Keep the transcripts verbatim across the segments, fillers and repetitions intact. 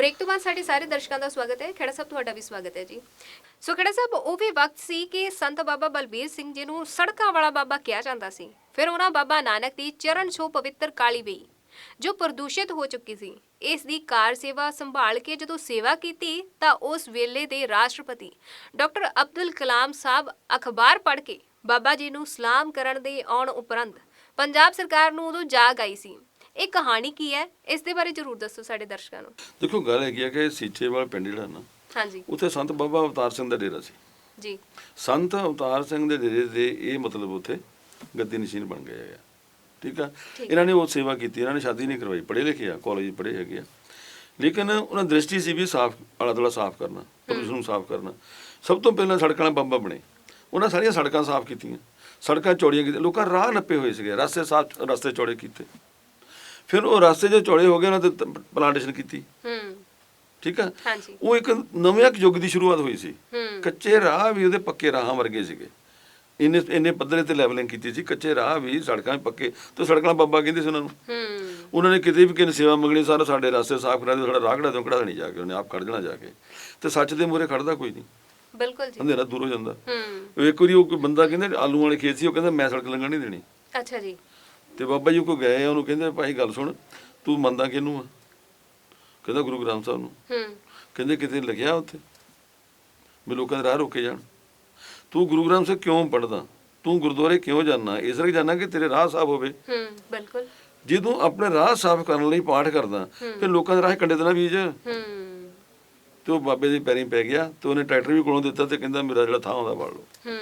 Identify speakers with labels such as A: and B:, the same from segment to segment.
A: Break ਤੋਂ ਬਾਅਦ ਸਾਡੇ ਸਾਰੇ ਦਰਸ਼ਕਾਂ ਦਾ ਸਵਾਗਤ ਹੈ। ਖੇੜਾ ਸਾਹਿਬ ਤੁਹਾਡਾ ਵੀ ਸਵਾਗਤ ਹੈ ਜੀ। ਸੋ ਖੇੜਾ ਸਾਹਿਬ, ਉਹ ਵੀ ਵਕਤ ਸੀ ਕਿ ਸੰਤ ਬਾਬਾ ਬਲਬੀਰ ਸਿੰਘ ਜੀ ਨੂੰ ਸੜਕਾਂ ਵਾਲਾ ਬਾਬਾ ਕਿਹਾ ਜਾਂਦਾ ਸੀ। ਫਿਰ ਉਹਨਾਂ ਬਾਬਾ ਨਾਨਕ ਦੀ ਚਰਨ ਛੋਹ ਪਵਿੱਤਰ ਕਾਲੀ ਬਈ ਜੋ ਪ੍ਰਦੂਸ਼ਿਤ ਹੋ ਚੁੱਕੀ ਸੀ, ਇਸ ਦੀ ਕਾਰ ਸੇਵਾ ਸੰਭਾਲ ਕੇ ਜਦੋਂ ਸੇਵਾ ਕੀਤੀ ਤਾਂ ਉਸ ਵੇਲੇ ਦੇ ਰਾਸ਼ਟਰਪਤੀ ਡਾਕਟਰ ਅਬਦੁਲ ਕਲਾਮ ਸਾਹਿਬ ਅਖਬਾਰ ਪੜ੍ਹ ਕੇ ਬਾਬਾ ਜੀ ਨੂੰ ਸਲਾਮ ਕਰਨ ਦੇ ਆਉਣ ਉਪਰੰਤ ਪੰਜਾਬ ਸਰਕਾਰ ਨੂੰ ਉਦੋਂ ਜਾਗ ਆਈ ਸੀ। ਇਹ ਕਹਾਣੀ ਕੀ ਹੈ, ਇਸ ਦੇ ਬਾਰੇ ਜ਼ਰੂਰ ਦੱਸੋ ਸਾਡੇ ਦਰਸ਼ਕਾਂ ਨੂੰ।
B: ਦੇਖੋ, ਗੱਲ ਹੈਗੀ ਆ ਕਿ ਸੀਚੇਵਾਲ ਪਿੰਡ ਜਿਹੜਾ ਨਾ,
A: ਹਾਂਜੀ,
B: ਉੱਥੇ ਸੰਤ ਬਾਬਾ ਅਵਤਾਰ ਸਿੰਘ ਦਾ ਡੇਰਾ ਸੀ
A: ਜੀ।
B: ਸੰਤ ਅਵਤਾਰ ਸਿੰਘ ਦੇ ਡੇਰੇ ਦੇ ਇਹ ਮਤਲਬ ਉੱਥੇ ਗੱਦੀ ਨਸ਼ੀਨ ਬਣ ਗਏ ਆ। ਠੀਕ ਆ, ਇਹਨਾਂ ਨੇ ਉਹ ਸੇਵਾ ਕੀਤੀ, ਇਹਨਾਂ ਨੇ ਸ਼ਾਦੀ ਨਹੀਂ ਕਰਵਾਈ, ਪੜ੍ਹੇ ਲਿਖੇ ਆ, ਕਾਲਜ ਪੜ੍ਹੇ ਹੈਗੇ ਆ, ਲੇਕਿਨ ਉਹਨਾਂ ਦ੍ਰਿਸ਼ਟੀ ਸੀ ਵੀ ਸਾਫ਼ ਆਲਾ ਦੁਆਲਾ ਸਾਫ਼ ਕਰਨਾ, ਪ੍ਰਦੂਸ਼ਣ ਨੂੰ ਸਾਫ਼ ਕਰਨਾ। ਸਭ ਤੋਂ ਪਹਿਲਾਂ ਸੜਕਾਂ ਵਾਲਾ ਬਾਬਾ ਬਣੇ, ਉਹਨਾਂ ਸਾਰੀਆਂ ਸੜਕਾਂ ਸਾਫ਼ ਕੀਤੀਆਂ, ਸੜਕਾਂ ਚੌੜੀਆਂ ਕੀਤੀਆਂ, ਲੋਕਾਂ ਰਾਹ ਨੱਪੇ ਹੋਏ ਸੀਗੇ, ਰਸਤੇ ਸਾਫ਼, ਰਸਤੇ ਚੌੜੇ ਕੀਤੇ। ਫਿਰ ਉਹ ਰਸਤੇ ਜੋ ਚੌੜੇ ਹੋ ਗਏ ਉਹਨਾਂ ਤੇ ਪਲਾਂਟੇਸ਼ਨ ਕੀਤੀ। ਠੀਕ ਆ, ਉਹ ਇੱਕ ਨਵੇਂ ਯੁੱਗ ਦੀ ਸ਼ੁਰੂਆਤ ਹੋਈ ਸੀ। ਕੱਚੇ ਰਾਹ ਵੀ ਉਹਦੇ ਪੱਕੇ ਰਾਹਾਂ ਵਰਗੇ ਸੀਗੇ, ਇੰਨੇ ਇੰਨੇ ਪੱਧਰੇ ਤੇ ਲੈਵਲਿੰਗ ਕੀਤੀ ਸੀ। ਕੱਚੇ ਰਾਹ ਵੀ, ਸੜਕਾਂ ਵੀ ਪੱਕੇ, ਤੇ ਸੜਕਾਂ ਬਾਬਾ ਕਹਿੰਦੇ ਸੀ ਉਹਨਾਂ ਨੂੰ। ਉਹਨਾਂ ਨੇ ਕਿਤੇ ਵੀ ਕਿਸੇ ਸੇਵਾ ਮੰਗਣੀ, ਸਾਰਾ ਸਾਡੇ ਰਸਤੇ ਸਾਫ਼ ਕਰਾ ਦਿਓ, ਸਾਡਾ ਰਾਹ ਕਢਾ ਦਿਓ, ਕਢਾ ਦੇਣੀ ਜਾ ਕੇ, ਉਹਨੇ ਆਪ ਕੱਢ ਦੇਣਾ ਜਾ ਕੇ। ਤੇ ਸੱਚ ਦੇ ਮੂਹਰੇ ਖੜਦਾ ਕੋਈ ਨਹੀਂ,
A: ਬਿਲਕੁਲ ਜੀ,
B: ਅੰਧੇਰਾ ਦੂਰ ਹੋ ਜਾਂਦਾ। ਇੱਕ ਵਾਰੀ ਉਹ ਕੋਈ ਬੰਦਾ ਕਹਿੰਦੇ ਆਲੂ ਵਾਲੇ ਖੇਤ ਸੀ, ਉਹ ਕਹਿੰਦਾ ਮੈਂ ਸੜਕ ਲੰਘਣ ਨਹੀਂ ਦੇਣੀ।
A: ਅੱਛਾ ਜੀ। ਤੇ
B: ਬਾਬਾ ਜੀ ਕੋ ਗਏ, ਉਹਨੂੰ ਕਹਿੰਦੇ ਭਾਈ ਗੱਲ ਸੁਣ, ਤੂੰ ਮੰਨਦਾ ਕਿਹਨੂੰ ਆ? ਕਹਿੰਦਾ ਗੁਰੂ ਗ੍ਰੰਥ ਸਾਹਿਬ ਨੂੰ। ਕਹਿੰਦੇ ਕਿਤੇ ਲਿਖਿਆ ਉੱਥੇ ਵੀ ਲੋਕਾਂ ਦੇ ਰਾਹ ਰੋਕੇ ਜਾਣ? ਤੂੰ ਗੁਰੂ ਗ੍ਰੰਥ ਸਾਹਿਬ ਕਿਉਂ ਪੜ੍ਹਦਾ? ਤੂੰ ਗੁਰਦੁਆਰੇ ਕਿਉਂ ਜਾਣਾ? ਇਸ ਲਈ ਜਾਣਾ ਕਿ ਤੇਰੇ ਰਾਹ ਸਾਫ਼ ਹੋਵੇ।
A: ਬਿਲਕੁਲ। ਜੇ
B: ਤੂੰ ਆਪਣੇ ਰਾਹ ਸਾਫ਼ ਕਰਨ ਲਈ ਪਾਠ ਕਰਦਾ, ਫਿਰ ਲੋਕਾਂ ਦੇ ਰਾਹ ਕੰਡੇ ਦੇਣਾ ਬੀਜ। ਤੇ ਉਹ ਬਾਬੇ ਦੇ ਪੈਰੀਂ ਪੈ ਗਿਆ, ਤੇ ਉਹਨੇ ਟਰੈਕਟਰ ਵੀ ਕੋਲੋਂ ਦਿੱਤਾ, ਤੇ ਕਹਿੰਦਾ ਮੇਰਾ ਜਿਹੜਾ ਥਾਂ ਆਉਂਦਾ ਵੜ ਲਓ।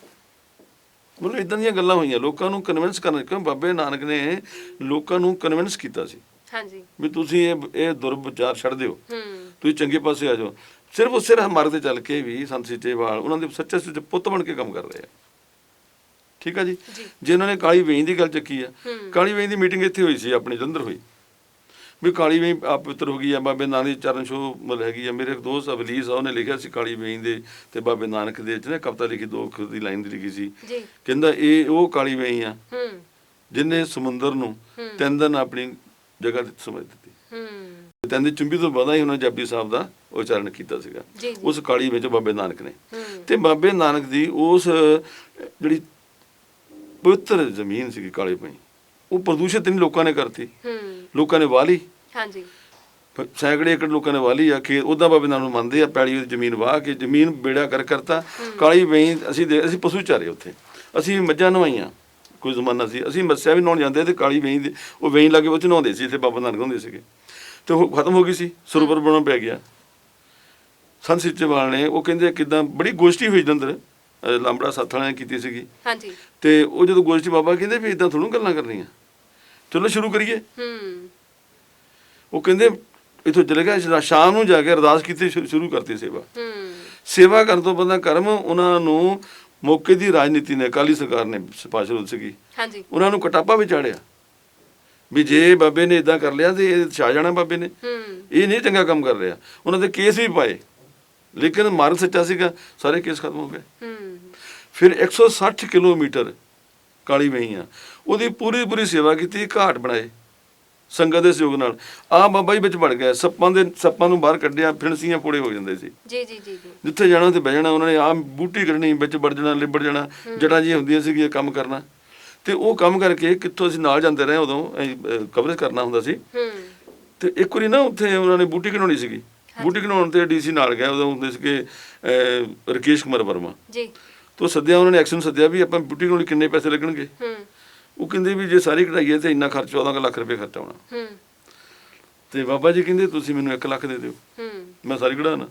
B: ਮਤਲਬ ਇੱਦਾਂ ਦੀਆਂ ਗੱਲਾਂ ਹੋਈਆਂ, ਲੋਕਾਂ ਨੂੰ ਕਨਵਿੰਸ ਕਰਨ। ਕਿਉਂ ਬਾਬੇ ਨਾਨਕ ਨੇ ਲੋਕਾਂ ਨੂੰ ਕਨਵਿੰਸ ਕੀਤਾ ਸੀ ਵੀ ਤੁਸੀਂ ਇਹ ਇਹ ਦੁਰਵਿਚਾਰ ਛੱਡ ਦਿਓ, ਤੁਸੀਂ ਚੰਗੇ ਪਾਸੇ ਆ ਜਾਓ। ਸਿਰਫ ਉਸੇ ਰਾਹ ਮਾਰਗ ਤੇ ਚੱਲ ਕੇ ਵੀ ਸੰਤ ਸੀਚੇਵਾਲ ਉਹਨਾਂ ਦੇ ਸੱਚੇ ਸੁੱਚੇ ਪੁੱਤ ਬਣ ਕੇ ਕੰਮ ਕਰ ਰਹੇ ਆ। ਠੀਕ ਆ ਜੀ। ਜੇ ਉਹਨਾਂ ਨੇ ਕਾਲੀ ਵੇਈ ਦੀ ਗੱਲ ਚੱਕੀ ਆ, ਕਾਲੀ ਵੇਈ ਦੀ ਮੀਟਿੰਗ ਇੱਥੇ ਹੋਈ ਸੀ, ਆਪਣੀ ਜਲੰਧਰ ਹੋਈ, ਵੀ ਕਾਲੀ ਵੇਈ ਆਪ ਪਵਿੱਤਰ ਹੋ ਗਈ ਆ, ਬਾਬੇ ਨਾਨਕ ਦੀ ਚਰਨ ਛੋਹ ਮਤਲਬ ਹੈਗੀ ਆ। ਮੇਰੇ ਇੱਕ ਦੋਸਤ ਅਵਲੀਸ ਆ, ਉਹਨੇ ਲਿਖਿਆ ਸੀ ਕਾਲੀ ਵੇਈ ਦੇ ਤੇ ਬਾਬੇ ਨਾਨਕ ਦੇ ਚ ਨਾ ਕਵਿਤਾ ਲਿਖੀ, ਦੋ ਦੀ ਲਾਈਨ ਦੀ ਲਿਖੀ ਸੀ। ਕਹਿੰਦਾ ਇਹ ਉਹ ਕਾਲੀ ਵੇਈ ਆ ਜਿਹਨੇ ਸਮੁੰਦਰ ਨੂੰ ਤਿੰਨ ਦਿਨ ਆਪਣੀ ਜਗ੍ਹਾ ਤੇ ਸਮਝ ਦਿੱਤੀ। ਤਿੰਨ ਦੀ ਚੁੰਬੀ ਤੋਂ ਬਾਅਦ ਹੀ ਉਹਨਾਂ ਜਪਜੀ ਸਾਹਿਬ ਦਾ ਉਚਾਰਨ ਕੀਤਾ ਸੀਗਾ ਉਸ ਕਾਲੀ ਵਿੱਚ ਬਾਬੇ ਨਾਨਕ ਨੇ। ਤੇ ਬਾਬੇ ਨਾਨਕ ਦੀ ਉਸ ਜਿਹੜੀ ਪਵਿੱਤਰ ਜ਼ਮੀਨ ਸੀਗੀ ਕਾਲੀ ਵੇਈ, ਉਹ ਪ੍ਰਦੂਸ਼ਿਤ ਨਹੀਂ ਲੋਕਾਂ ਨੇ ਕਰਤੀ, ਲੋਕਾਂ ਨੇ ਵਾਹ ਲਈ। ਹਾਂਜੀ, ਸੈਂਕੜੇ ਏਕੜ ਲੋਕਾਂ ਨੇ ਵਾਹ ਲਈ ਆ ਖੇਤ। ਉੱਦਾਂ ਬਾਬੇ ਨਾਨਕ ਨੂੰ ਮੰਨਦੇ ਆ, ਪੈਲੀ ਜ਼ਮੀਨ ਵਾਹ ਕੇ ਜ਼ਮੀਨ ਬੇੜਾ ਕਰ ਕਰਤਾ। ਕਾਲੀ ਵੇਈ ਅਸੀਂ ਦੇ ਅਸੀਂ ਪਸ਼ੂ ਚਾਰੇ ਉੱਥੇ, ਅਸੀਂ ਮੱਝਾਂ ਨਵਾਈਆਂ। ਕੋਈ ਜ਼ਮਾਨਾ ਸੀ ਅਸੀਂ ਮੱਸਿਆ ਵੀ ਨਹਾਉਣ ਜਾਂਦੇ, ਤੇ ਕਾਲੀ ਵੇਈ ਦੇ ਉਹ ਵੇਈ ਲਾਗੇ ਉੱਥੇ ਨਹਾਉਂਦੇ ਸੀ, ਇੱਥੇ ਬਾਬਾ ਨਾਨਕ ਹੁੰਦੇ ਸੀਗੇ। ਤੇ ਉਹ ਖਤਮ ਹੋ ਗਈ ਸੀ, ਸਰੋਵਰ ਬਣਾਉਣਾ ਪੈ ਗਿਆ। ਸੰਤ ਸੀਚੇਵਾਲ ਨੇ ਉਹ ਕਹਿੰਦੇ ਕਿੱਦਾਂ ਬੜੀ ਗੋਸ਼ਟੀ ਹੋਈ ਜਲੰਧਰ, ਲਾਂਬੜਾ ਸੱਥ ਵਾਲਿਆਂ ਨੇ ਕੀਤੀ ਸੀਗੀ। ਹਾਂਜੀ, ਤੇ ਉਹ ਜਦੋਂ ਗੋਸ਼ਟੀ ਬਾਬਾ ਕਹਿੰਦੇ ਵੀ ਇੱਦਾਂ ਥੋੜ੍ਹਾ ਗੱਲਾਂ ਕਰਨੀਆਂ, ਚਲੋ ਸ਼ੁਰੂ ਕਰੀਏ। ਉਹ ਕਹਿੰਦੇ ਇੱਥੋਂ ਚਲੇ ਗਿਆ, ਸ਼ਾਮ ਨੂੰ ਜਾ ਕੇ ਅਰਦਾਸ ਕੀਤੀ, ਸ਼ੁਰੂ ਕਰਤੀ ਸੇਵਾ। ਸੇਵਾ ਕਰਨ ਤੋਂ ਬੰਦਾ ਕਰਮ, ਉਹਨਾਂ ਨੂੰ ਮੌਕੇ ਦੀ ਰਾਜਨੀਤੀ ਨੇ, ਅਕਾਲੀ ਸਰਕਾਰ ਨੇ ਸਿਫਾਰਿਸ਼ ਹੋਈ ਸੀਗੀ, ਉਹਨਾਂ ਨੂੰ ਕਟਾਪਾ ਵੀ ਚਾੜਿਆ ਵੀ ਜੇ ਬਾਬੇ ਨੇ ਇਦਾਂ ਕਰ ਲਿਆ ਤੇ ਇਹ ਛਾ ਜਾਣਾ ਬਾਬੇ ਨੇ, ਇਹ ਨਹੀਂ ਚੰਗਾ ਕੰਮ ਕਰ ਰਿਹਾ। ਉਹਨਾਂ ਦੇ ਕੇਸ ਵੀ ਪਾਏ, ਲੇਕਿਨ ਮਾਰਗ ਸੱਚਾ ਸੀਗਾ, ਸਾਰੇ ਕੇਸ ਖਤਮ ਹੋ ਗਏ। ਫਿਰ ਇੱਕ ਸੌ ਸੱਠ ਕਿਲੋਮੀਟਰ ਕਾਲੀ ਵੇਈ ਆ, ਉਹਦੀ ਪੂਰੀ ਪੂਰੀ ਸੇਵਾ ਕੀਤੀ, ਘਾਟ ਬਣਾਏ ਸੰਗਤ ਦੇ ਸਹਿਯੋਗ ਨਾਲ। ਆਹ ਬਾਬਾ ਜੀ ਵਿੱਚ ਵੜ ਗਿਆ, ਸੱਪਾਂ ਦੇ ਸੱਪਾਂ ਨੂੰ ਬਾਹਰ ਕੱਢਿਆ, ਫਿਣਸੀਆਂ ਪੋੜੇ ਹੋ ਜਾਂਦੇ ਸੀ। ਜੀ ਜੀ ਜੀ ਜਿੱਥੇ ਜਾਣਾ ਉੱਥੇ ਬਹਿ ਜਾਣਾ, ਉਹਨਾਂ ਨੇ ਆਹ ਬੂਟੀ ਕੱਢਣੀ, ਵਿੱਚ ਵੜ ਜਾਣਾ, ਲਿਬੜ ਜਾਣਾ, ਜੜ੍ਹਾਂ ਜਿਹੀਆਂ ਹੁੰਦੀਆਂ ਸੀਗੀਆਂ, ਕੰਮ ਕਰਨਾ। ਤੇ ਉਹ ਕੰਮ ਕਰਕੇ ਕਿੱਥੋਂ ਅਸੀਂ ਨਾਲ ਜਾਂਦੇ ਰਹੇ, ਉਦੋਂ ਕਵਰੇਜ ਕਰਨਾ ਹੁੰਦਾ ਸੀ। ਤੇ ਇੱਕ ਵਾਰੀ ਨਾ ਉੱਥੇ ਉਹਨਾਂ ਨੇ ਬੂਟੀ ਘਿਨਾਉਣੀ ਸੀਗੀ, ਬੂਟੀ ਘਿਨਾਉਣ ਤੇ ਡੀ ਸੀ ਨਾਲ ਗਿਆ, ਉਦੋਂ ਹੁੰਦੇ ਸੀਗੇ ਰਕੇਸ਼ ਕੁਮਾਰ ਵਰਮਾ ਜੀ। ਤੋਂ ਸੱਦਿਆ, ਉਹਨਾਂ ਨੇ ਐਕਸ਼ਨ ਸੱਦਿਆ ਵੀ ਆਪਾਂ ਬੂਟੀ ਘਿਨਾਉਣ ਕਿੰਨੇ ਪੈਸੇ ਲੱਗਣਗੇ। ਉਹ ਕਹਿੰਦੇ ਵੀ ਜੇ ਸਾਰੀ ਕਢਾਈਏ ਤੇ ਇੰਨਾ ਖਰਚ, ਚੌਦਾਂ ਲੱਖ ਰੁਪਏ ਖਰਚਾ ਆਉਣਾ। ਤੇ ਬਾਬਾ ਜੀ ਕਹਿੰਦੇ ਤੁਸੀਂ ਮੈਨੂੰ ਇੱਕ ਲੱਖ ਦੇ ਦਿਓ, ਮੈਂ ਸਾਰੀ ਕਢਾਣਾ।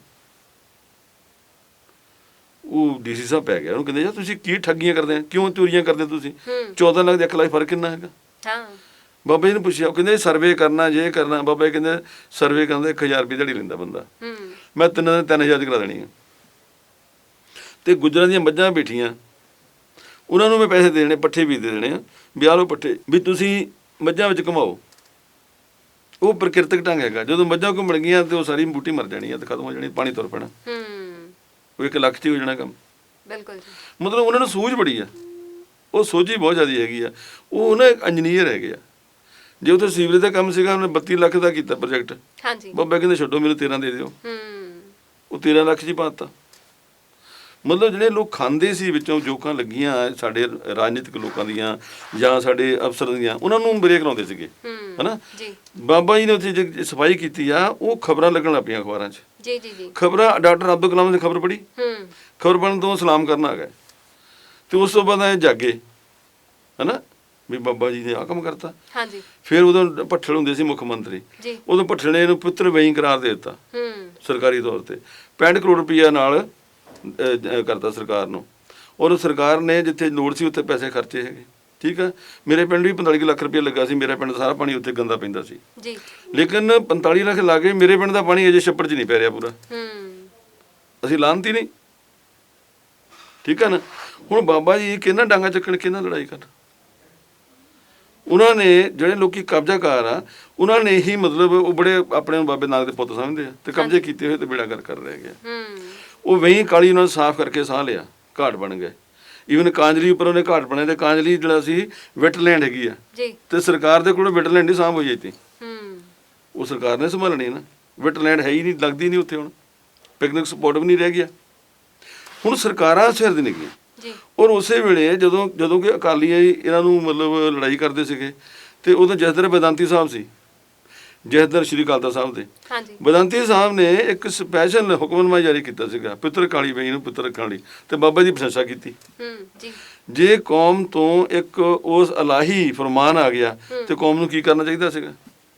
B: ਉਹ ਡੀ ਸੀ ਸਾਹਿਬ ਪੈ ਗਿਆ, ਉਹਨੂੰ ਕਹਿੰਦੇ ਯਾਰ ਤੁਸੀਂ ਕੀ ਠੱਗੀਆਂ ਕਰਦੇ ਆ, ਕਿਉਂ ਚੋਰੀਆਂ ਕਰਦੇ ਤੁਸੀਂ? ਚੌਦਾਂ ਲੱਖ ਦੇ ਇੱਕ ਲੱਖ ਫਰਕ ਕਿੰਨਾ ਹੈਗਾ? ਬਾਬਾ ਜੀ ਨੇ ਪੁੱਛਿਆ, ਉਹ ਕਹਿੰਦੇ ਸਰਵੇ ਕਰਨਾ, ਜੇ ਕਰਨਾ। ਬਾਬਾ ਜੀ ਕਹਿੰਦੇ ਸਰਵੇ ਕਰਨ ਦਾ ਇੱਕ ਹਜ਼ਾਰ ਰੁਪਏ ਦਿਹਾੜੀ ਲੈਂਦਾ ਬੰਦਾ, ਮੈਂ ਤਿੰਨਾਂ ਦੇ ਤਿੰਨ ਹਜ਼ਾਰ ਚ ਕਰਾ ਦੇਣੀ ਆ। ਤੇ ਗੁੱਜਰਾਂ ਦੀਆਂ ਮੱਝਾਂ ਬੈਠੀਆਂ, ਉਹਨਾਂ ਨੂੰ ਮੈਂ ਪੈਸੇ ਦੇ ਦੇਣੇ, ਪੱਠੇ ਵੀ ਦੇ ਦੇਣੇ ਆ, ਵੀ ਆਹ ਲਓ ਪੱਠੇ, ਵੀ ਤੁਸੀਂ ਮੱਝਾਂ ਵਿੱਚ ਘੁਮਾਓ। ਉਹ ਪ੍ਰਕਿਰਤਕ ਢੰਗ ਹੈਗਾ, ਜਦੋਂ ਮੱਝਾਂ ਘੁੰਮਣ ਗਈਆਂ ਤੇ ਉਹ ਸਾਰੀ ਬੂਟੀ ਮਰ ਜਾਣੀ ਆ, ਤੇ ਖਤਮ ਹੋ ਜਾਣੀ, ਪਾਣੀ ਤੁਰ ਪੈਣਾ, ਉਹ ਇੱਕ ਲੱਖ 'ਚ ਹੀ ਹੋ ਜਾਣਾ ਕੰਮ। ਬਿਲਕੁਲ, ਮਤਲਬ ਉਹਨਾਂ ਨੂੰ ਸੂਝ ਬੜੀ ਆ, ਉਹ ਸੋਝੀ ਬਹੁਤ ਜ਼ਿਆਦਾ ਹੈਗੀ ਆ। ਉਹ ਨਾ ਇੰਜੀਨੀਅਰ ਹੈਗੇ ਆ, ਜੇ ਉੱਥੇ ਸੀਵਰੇਜ ਦਾ ਕੰਮ ਸੀਗਾ ਉਹਨੇ ਬੱਤੀ ਲੱਖ ਦਾ ਕੀਤਾ ਪ੍ਰੋਜੈਕਟ,
A: ਹਾਂਜੀ
B: ਬਾਬਾ ਕਹਿੰਦੇ ਛੱਡੋ ਮੈਨੂੰ ਤੇਰਾਂ ਦੇ ਦਿਓ,
A: ਹੂੰ
B: ਉਹ ਤੇਰਾਂ ਲੱਖ 'ਚ ਹੀ ਪਾਤਾ। ਮਤਲਬ ਜਿਹੜੇ ਲੋਕ ਖਾਂਦੇ ਸੀ ਵਿੱਚੋਂ ਜੋਕਾਂ ਲੱਗੀਆਂ ਸਾਡੇ ਰਾਜਨੀਤਿਕ ਲੋਕਾਂ ਦੀਆਂ ਜਾਂ ਸਾਡੇ ਅਫਸਰ ਦੀਆਂ, ਉਹਨਾਂ ਨੂੰ ਬ੍ਰੇਕ ਲਾਉਂਦੇ ਸੀਗੇ
A: ਹੂੰ
B: ਹਨਾ।
A: ਜੀ
B: ਬਾਬਾ ਜੀ ਨੇ ਉੱਥੇ ਜੇ ਸਫਾਈ ਕੀਤੀ ਆ, ਉਹ ਖਬਰਾਂ ਲੱਗਣ ਲੱਗ ਪਈਆਂ ਅਖਬਾਰਾਂ 'ਚ।
A: ਜੀ ਜੀ ਜੀ
B: ਖਬਰਾਂ ਡਾਕਟਰ ਅਬਦੁਲ ਕਲਾਮ ਨੇ ਖਬਰ ਪੜ੍ਹੀ,
A: ਹੂੰ
B: ਖਬਰ ਪੜ੍ਹਨ ਤੋਂ ਸਲਾਮ ਕਰਨ ਆ ਗਏ, ਤੇ ਉਸ ਤੋਂ ਬਾਅਦ ਇਹ ਜਾਗੇ ਹਨਾ ਵੀ ਬਾਬਾ ਜੀ ਨੇ ਆਹ ਕੰਮ ਕਰਤਾ।
A: ਹਾਂਜੀ
B: ਫਿਰ ਉਦੋਂ ਭੱਠਲ ਹੁੰਦੇ ਸੀ ਮੁੱਖ ਮੰਤਰੀ,
A: ਜੀ
B: ਉਦੋਂ ਭੱਠਲ ਨੇ ਇਹਨੂੰ ਪੁੱਤਰ ਵਈ ਕਰਾਰ ਦੇ ਦਿੱਤਾ
A: ਹੂੰ
B: ਸਰਕਾਰੀ ਤੌਰ ਤੇ, ਪੈਂਹਠ ਕਰੋੜ ਰੁਪਈਆ ਨਾਲ ਅਹ, ਅਹ, ਕਰਤਾ ਸਰਕਾਰ ਨੂੰ। ਔਰ ਸਰਕਾਰ ਨੇ ਜਿੱਥੇ ਲੋੜ ਸੀ ਉੱਥੇ ਪੈਸੇ ਖਰਚੇ ਹੈਗੇ, ਠੀਕ ਆ। ਮੇਰੇ ਪਿੰਡ ਵੀ ਪੰਤਾਲੀ ਕੁ ਲੱਖ ਰੁਪਈਆ ਲੱਗਾ ਸੀ, ਮੇਰਾ ਪਿੰਡ ਦਾ ਸਾਰਾ ਪਾਣੀ ਉੱਥੇ ਗੰਦਾ ਪੈਂਦਾ ਸੀ,
A: ਜੀ
B: ਲੇਕਿਨ ਪੰਤਾਲੀ ਲੱਖ ਲਾ ਕੇ ਮੇਰੇ ਪਿੰਡ ਦਾ ਪਾਣੀ ਅਜੇ ਛੱਪੜ 'ਚ ਨਹੀਂ ਪੈ ਰਿਹਾ ਪੂਰਾ।
A: ਹੂੰ
B: ਅਸੀਂ ਲਾਹਨਤੀ ਨਹੀਂ, ਠੀਕ ਆ ਨਾ। ਹੁਣ ਬਾਬਾ ਜੀ ਕਿਹਨਾਂ ਡਾਂਗਾ ਚੱਕਣ, ਕਿਹਨਾਂ ਲੜਾਈ ਕਰਨ। ਉਹਨਾਂ ਨੇ ਜਿਹੜੇ ਲੋਕੀ ਕਬਜ਼ਾਕਾਰ ਆ, ਉਹਨਾਂ ਨੇ ਹੀ ਮਤਲਬ ਉਹ ਬੜੇ ਆਪਣੇ ਨੂੰ ਬਾਬੇ ਨਾਨਕ ਦੇ ਪੁੱਤ ਸਮਝਦੇ ਆ, ਤੇ ਕਬਜ਼ੇ ਕੀਤੇ ਹੋਏ ਤੇ ਬੇੜਾ ਕਰ ਕਰ ਰਹਿ ਗਿਆ।
A: ਹੂੰ
B: ਉਹ ਵਹੀਂ ਕਾਲੀ ਉਹਨਾਂ ਨੂੰ ਸਾਫ਼ ਕਰਕੇ ਸਾਹ ਲਿਆ, ਘਾਟ ਬਣ ਗਏ। ਈਵਨ ਕਾਂਜਲੀ ਉੱਪਰ ਉਹਨੇ ਘਾਟ ਬਣਾਇਆ, ਤੇ ਕਾਂਜਲੀ ਜਿਹੜਾ ਸੀ ਵੈਟਲੈਂਡ ਹੈਗੀ ਆ,
A: ਜੀ
B: ਤੇ ਸਰਕਾਰ ਦੇ ਕੋਲ ਵੈਟਲੈਂਡ ਨਹੀਂ ਸਾਂਭ ਹੋਈ ਇੱਥੇ,
A: ਹੂੰ
B: ਉਹ ਸਰਕਾਰ ਨੇ ਸੰਭਾਲਣੀ ਨਾ। ਵੈਟਲੈਂਡ ਹੈ ਹੀ ਨਹੀਂ, ਲੱਗਦੀ ਨਹੀਂ ਉੱਥੇ, ਹੁਣ ਪਿਕਨਿਕ ਸਪੌਟ ਵੀ ਨਹੀਂ ਰਹਿ ਗਿਆ। ਹੁਣ ਸਰਕਾਰਾਂ ਸਿਰ ਦੀ ਨਿਕਲੀ।
A: ਜੀ
B: ਔਰ ਉਸੇ ਵੇਲੇ ਜਦੋਂ ਜਦੋਂ ਕਿ ਅਕਾਲੀ ਇਹਨਾਂ ਨੂੰ ਮਤਲਬ ਲੜਾਈ ਕਰਦੇ ਸੀਗੇ, ਤੇ ਉਦੋਂ ਜਥੇਦਾਰ ਬੇਦਾਂਤੀ ਸਾਹਿਬ ਸੀ, ਜਥੇਦਾਰ ਸ਼੍ਰੀ ਅਕਾਲ ਤਖਤ ਸਾਹਿਬ ਦੇ
A: ਹਾਂਜੀ
B: ਬੇਦਾਂਤੀ ਸਾਹਿਬ ਨੇ ਇੱਕ ਸਪੈਸ਼ਲ ਹੁਕਮਨਾਮਾ ਜਾਰੀ ਕੀਤਾ ਸੀਗਾ, ਪਿੱਤਰ ਕਾਲੀ ਬਈ ਨੂੰ ਪਿੱਤਰ ਕਾਲੀ, ਤੇ ਬਾਬਾ ਜੀ ਦੀ ਪ੍ਰਸ਼ੰਸਾ ਕੀਤੀ।
A: ਹੂੰ ਜੀ
B: ਜੇ ਕੌਮ ਤੋਂ ਇੱਕ ਉਸ ਇਲਾਹੀ ਫਰਮਾਨ ਆ ਗਿਆ, ਤੇ ਕੌਮ ਨੂੰ ਕੀ ਕਰਨਾ ਚਾਹੀਦਾ ਸੀਗਾ?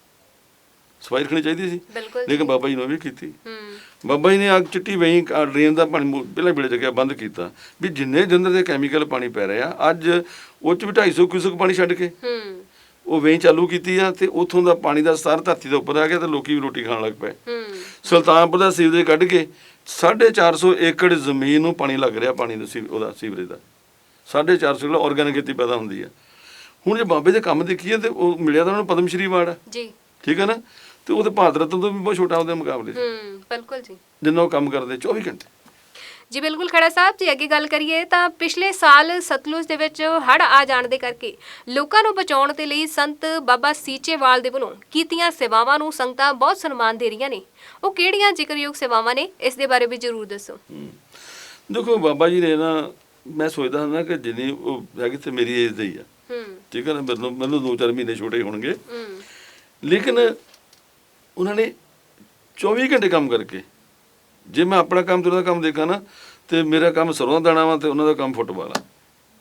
B: ਸਫਾਈ ਰੱਖਣੀ ਚਾਹੀਦੀ ਸੀ,
A: ਬਿਲਕੁਲ
B: ਲੇਕਿਨ ਬਾਬਾ ਜੀ ਨੇ ਉਹ ਵੀ ਕੀਤੀ।
A: ਹੂੰ
B: ਬਾਬਾ ਜੀ ਨੇ ਆ ਚਿੱਟੀ ਵਹੀਂ ਡਰੇਨ ਦਾ ਪਾਣੀ ਮੂ- ਪਹਿਲਾਂ ਵੇਲੇ ਜਗ੍ਹਾ ਬੰਦ ਕੀਤਾ, ਵੀ ਜਿੰਨੇ ਜੰਦਰ ਦੇ ਕੈਮੀਕਲ ਪਾਣੀ ਪੈ ਰਿਹਾ ਅੱਜ ਉਹ 'ਚ ਵੀ ਢਾਈ ਸੌ ਕਿਊਸਕ ਪਾਣੀ ਛੱਡ ਕੇ
A: ਹੂੰ
B: ਉਹ ਵਹੀਂ ਚਾਲੂ ਕੀਤੀ ਆ, ਤੇ ਉੱਥੋਂ ਦਾ ਪਾਣੀ ਦਾ ਸਤਰ ਧਰਤੀ ਦੇ ਉੱਪਰ ਆ ਗਿਆ, ਤੇ ਲੋਕੀ ਵੀ ਰੋਟੀ ਖਾਣ ਲੱਗ ਪਏ।
A: ਹੂੰ
B: ਸੁਲਤਾਨਪੁਰ ਦਾ ਸੀਵਰੇਜ ਕੱਢ ਕੇ ਸਾਢੇ ਚਾਰ ਸੌ ਏਕੜ ਜ਼ਮੀਨ ਨੂੰ ਪਾਣੀ ਲੱਗ ਰਿਹਾ, ਪਾਣੀ ਦਾ ਸੀ ਉਹਦਾ ਸੀਵਰੇਜ ਦਾ ਸਾਢੇ ਚਾਰ ਸੌ ਕਿਲੋ ਆਰਗੈਨਿਕ ਖੇਤੀ ਪੈਦਾ ਹੁੰਦੀ ਆ। ਹੁਣ ਜੇ ਬਾਬੇ ਦੇ ਕੰਮ ਦੇਖੀਏ, ਤੇ ਉਹ ਮਿਲਿਆ ਤਾਂ ਉਹਨਾਂ ਨੂੰ ਪਦਮ ਸ਼੍ਰੀ ਅਵਾਰਡ ਆ,
A: ਜੀ
B: ਠੀਕ ਹੈ ਨਾ। ਤੇ ਉਹ ਤੇ ਭਾਰਤ ਰਤਨ ਤੋਂ ਵੀ ਬਹੁਤ ਛੋਟਾ ਉਹਦੇ ਮੁਕਾਬਲੇ 'ਚ,
A: ਹੂੰ ਬਿਲਕੁਲ ਜੀ
B: ਜਿੰਨਾ ਉਹ ਕੰਮ ਕਰਦੇ ਚੌਵੀ ਘੰਟੇ।
A: ਜੀ ਬਿਲਕੁਲ ਖੜਾ ਸਾਹਿਬ ਜੀ, ਅੱਗੇ ਗੱਲ ਕਰੀਏ ਤਾਂ ਪਿਛਲੇ ਸਾਲ ਸਤਲੁਜ ਦੇ ਵਿੱਚ ਹੜ੍ਹ ਆ ਜਾਣ ਦੇ ਕਰਕੇ ਲੋਕਾਂ ਨੂੰ ਬਚਾਉਣ ਦੇ ਲਈ ਸੰਤ ਬਾਬਾ ਸੀਚੇਵਾਲ ਦੇ ਵੱਲੋਂ ਕੀਤੀਆਂ ਸੇਵਾਵਾਂ ਨੂੰ ਸੰਗਤਾਂ ਬਹੁਤ ਸਨਮਾਨ ਦੇ ਰਹੀਆਂ ਨੇ। ਉਹ ਕਿਹੜੀਆਂ ਜ਼ਿਕਰਯੋਗ ਸੇਵਾਵਾਂ ਨੇ, ਇਸ ਦੇ ਬਾਰੇ ਵੀ ਜ਼ਰੂਰ ਦੱਸੋ।
B: ਦੇਖੋ ਬਾਬਾ ਜੀ ਨੇ ਨਾ, ਮੈਂ ਸੋਚਦਾ ਹੁੰਦਾ ਕਿ ਜਿੰਨੀ ਉਹ ਹੈਗੀ ਤੇ ਮੇਰੀ ਏਜ ਦੇ ਹੀ ਆ,
A: ਹੂੰ
B: ਠੀਕ ਹੈ ਨਾ। ਮੈਨੂੰ ਮੈਨੂੰ ਦੋ ਚਾਰ ਮਹੀਨੇ ਛੋਟੇ ਹੋਣਗੇ,
A: ਹੂੰ
B: ਲੇਕਿਨ ਉਹਨਾਂ ਨੇ ਚੌਵੀ ਘੰਟੇ ਕੰਮ ਕਰਕੇ, ਜੇ ਮੈਂ ਆਪਣਾ ਕੰਮ ਤੇ ਉਹਨਾਂ ਦਾ ਕੰਮ ਦੇਖਾਂ ਨਾ, ਤੇ ਮੇਰਾ ਕੰਮ ਸਰੋਂ ਦਾ ਦਾਣਾ ਵਾ, ਤੇ ਉਹਨਾਂ ਦਾ ਕੰਮ ਫੁੱਟਬਾਲ ਆ,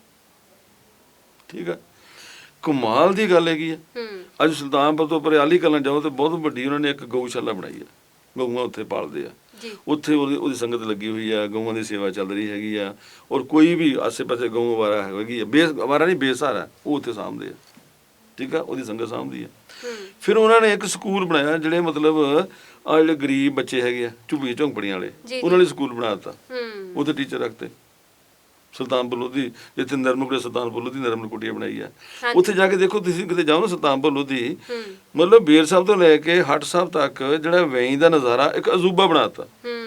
B: ਠੀਕ ਆ। ਕਮਾਲ ਦੀ ਗੱਲ ਹੈਗੀ ਆ।
A: ਹੂੰ
B: ਅੱਜ ਸੁਲਤਾਨਪੁਰ ਤੋਂ ਪਰਿਆਲੀ ਕਰਨ ਜਾਓ, ਤੇ ਬਹੁਤ ਵੱਡੀ ਉਹਨਾਂ ਨੇ ਇੱਕ ਗਊਸ਼ਾਲਾ ਬਣਾਈ ਆ, ਗਊਆਂ ਉੱਥੇ ਪਾਲਦੇ ਆ,
A: ਜੀ
B: ਉੱਥੇ ਉਹਦੀ ਉਹਦੀ ਸੰਗਤ ਲੱਗੀ ਹੋਈ ਆ, ਗਊਆਂ ਦੀ ਸੇਵਾ ਚੱਲ ਰਹੀ ਹੈਗੀ ਆ। ਔਰ ਕੋਈ ਵੀ ਆਸੇ ਪਾਸੇ ਗਊ ਅਵਾਰਾ ਹੈਗੀ ਆ, ਬੇਸ ਅਵਾਰਾ ਨਹੀਂ ਬੇਸਹਾਰਾ, ਉਹ ਉੱਥੇ ਸਾਂਭਦੇ ਆ, ਠੀਕ ਆ, ਉਹਦੀ ਸੰਗਤ ਸਾਂਭਦੀ ਆ।
A: ਹੂੰ
B: ਫਿਰ ਉਹਨਾਂ ਨੇ ਇੱਕ ਸਕੂਲ ਬਣਾਇਆ, ਜਿਹੜੇ ਮਤਲਬ ਆ ਜਿਹੜੇ ਗਰੀਬ ਬੱਚੇ ਹੈਗੇ ਆ ਝੁੱਗੀ ਝੌਂਪੜੀਆਂ ਵਾਲੇ,
A: ਜੀ,
B: ਉਹਨਾਂ ਲਈ ਸਕੂਲ ਬਣਾ ਦਿੱਤਾ,
A: ਹੂੰ
B: ਉੱਥੇ ਟੀਚਰ ਰੱਖਤੇ। ਸੁਲਤਾਨਪੁਰ ਲੋਧੀ, ਜਿੱਥੇ ਨਰਮਕੁਟੀਆ ਸੁਲਤਾਨਪੁਰ ਲੋਧੀ ਨਰਮਕੁਟੀਆ ਬਣਾਈ ਆ,
A: ਹਾਂਜੀ।
B: ਉੱਥੇ ਜਾ ਕੇ ਦੇਖੋ, ਤੁਸੀਂ ਕਿਤੇ ਜਾਓ ਨਾ ਸੁਲਤਾਨਪੁਰ ਲੋਧੀ,
A: ਹੂੰ
B: ਮਤਲਬ ਬੇਰ ਸਾਹਿਬ ਤੋਂ ਲੈ ਕੇ ਹੱਟ ਸਾਹਿਬ ਤੱਕ ਜਿਹੜਾ ਵੇਈ ਦਾ ਨਜ਼ਾਰਾ ਇੱਕ ਅਜੂਬਾ ਬਣਾਤਾ,
A: ਹੂੰ